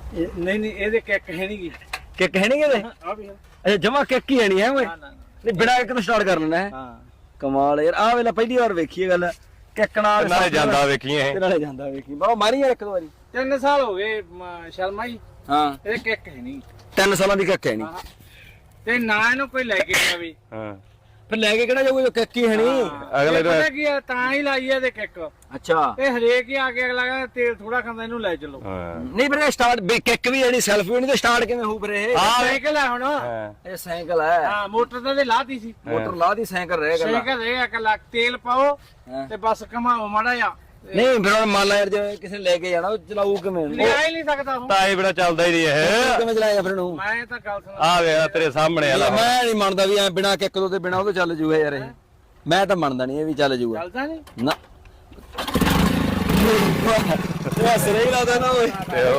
ਨਹੀਂ ਇਹਦੇ ਕਿੱਕ ਹੈ ਨਹੀਂ ਗੀ ਕਿੱਕ ਹੈ ਨਹੀਂ ਇਹਦੇ ਆ ਵੀ ਅੱਛਾ ਜਮਾ ਕਿੱਕ ਹੀ ਨਹੀਂ ਹੈ ਓਏ ਨਾ ਨਹੀਂ ਬਿਨਾਂ ਕਿੱਕ ਤੋਂ ਸਟਾਰਟ ਕਰ ਲੈਣਾ ਹੈ ਹਾਂ ਕਮਾਲ ਯਾਰ ਆਹ ਵੇਲੇ ਪਹਿਲੀ ਵਾਰ ਵੇਖੀ ਇਹ ਗੱਲ ਕਿੱਕ ਨਾਲ ਨਾਲੇ ਜਾਂਦਾ ਵੇਖੀ ਇਹ ਤੇ ਨਾਲੇ ਜਾਂਦਾ ਵੇਖੀ ਬਾਬਾ ਮਾਰੀ ਯਾਰ ਇੱਕ ਦੋ ਵਾਰੀ 3 ਸਾਲ ਹੋ ਗਏ ਸ਼ਰਮਾ ਜੀ ਹਾਂ ਇਹਦੇ ਕਿੱਕ ਹੈ ਨਹੀਂ 3 ਸਾਲਾਂ ਦੀ ਕਿੱਕ ਹੈ ਨਹੀਂ ਹਾਂ ਤੇ ਨਾ ਇਹਨੂੰ ਕੋਈ ਲੈ ਕੇ ਜਾਵੇ ਹਾਂ ਫਿਰ ਲੈ ਕੇ ਕਿਹੜਾ ਜਾਊਗਾ ਜੋ ਕਿੱਕ ਹੀ ਹੈ ਨਹੀਂ ਅਗਲੇ ਦਾ ਪਤਾ ਕੀ ਆ ਤਾਂ ਹੀ ਲਾਈ ਇਹਦੇ ਕਿੱਕ ਅੱਛਾ ਇਹ ਹਰੇਕ ਹੀ ਆ ਕੇ ਅਗਲਾ ਕਹਿੰਦਾ ਤੇਲ ਥੋੜਾ ਖਾਂਦਾ ਇਹਨੂੰ ਲੈ ਚਲੋ ਹਾਂ ਨਹੀਂ ਵੀਰੇ ਸਟਾਰਟ ਕਿੱਕ ਵੀ ਜਿਹੜੀ ਸੈਲਫ ਵੀ ਨਹੀਂ ਤੇ ਸਟਾਰਟ ਕਿਵੇਂ ਹੋਊ ਵੀਰੇ ਇਹ ਸਾਈਕਲ ਹੈ ਹੁਣ ਹਾਂ ਇਹ ਸਾਈਕਲ ਹੈ ਹਾਂ ਮੋਟਰ ਤਾਂ ਤੇ ਲਾਤੀ ਸੀ ਮੋਟਰ ਲਾ ਦੀ ਸਾਈਕਲ ਰਹਿ ਗਿਆ ਸਾਈਕਲ ਇਹ ਇੱਕ ਲੱਖ ਤੇਲ ਪਾਓ ਹਾਂ। ਤੇ ਬਸ ਘਮਾਓ ਮਾੜਾ ਜਾ ਨਹੀਂ ਫਿਰ ਹੁਣ ਮੰਨ ਲਾ ਯਾਰ ਜੇ ਕਿਸੇ ਨੇ ਲੈ ਕੇ ਜਾਣਾ ਉਹ ਚਲਾਊ ਕਿਵੇਂ ਲਿਆ ਹੀ ਨਹੀਂ ਸਕਦਾ ਹੁਣ ਤਾਂ ਇਹ ਬੜਾ ਚੱਲਦਾ ਹੀ ਨਹੀਂ ਇਹ ਕਿਵੇਂ ਚਲਾਇਆ ਫਿਰ ਇਹਨੂੰ ਮੈਂ ਤਾਂ ਗੱਲ ਸੁਣਾ ਆ ਵੇ ਤੇਰੇ ਸਾਹਮਣੇ ਲੈ ਆ ਮੈਂ ਨਹੀਂ ਮੰਨਦਾ ਵੀ ਐ ਬਿਨਾ ਕਿੱਕ ਤੋਂ ਤੇ ਬਿਨਾ ਉਹ ਤੋਂ ਚੱਲ ਜੂਗਾ ਯਾਰ ਇਹ ਮੈਂ ਤਾਂ ਮੰਨਦਾ ਨਹੀਂ ਇਹ ਵੀ ਚੱਲ ਜੂਗਾ ਚੱਲਦਾ ਨਹੀਂ ਨਾ ਇਹ ਸਿਰੇ ਹੀ ਲਾਦਾ ਨਾ ਓਏ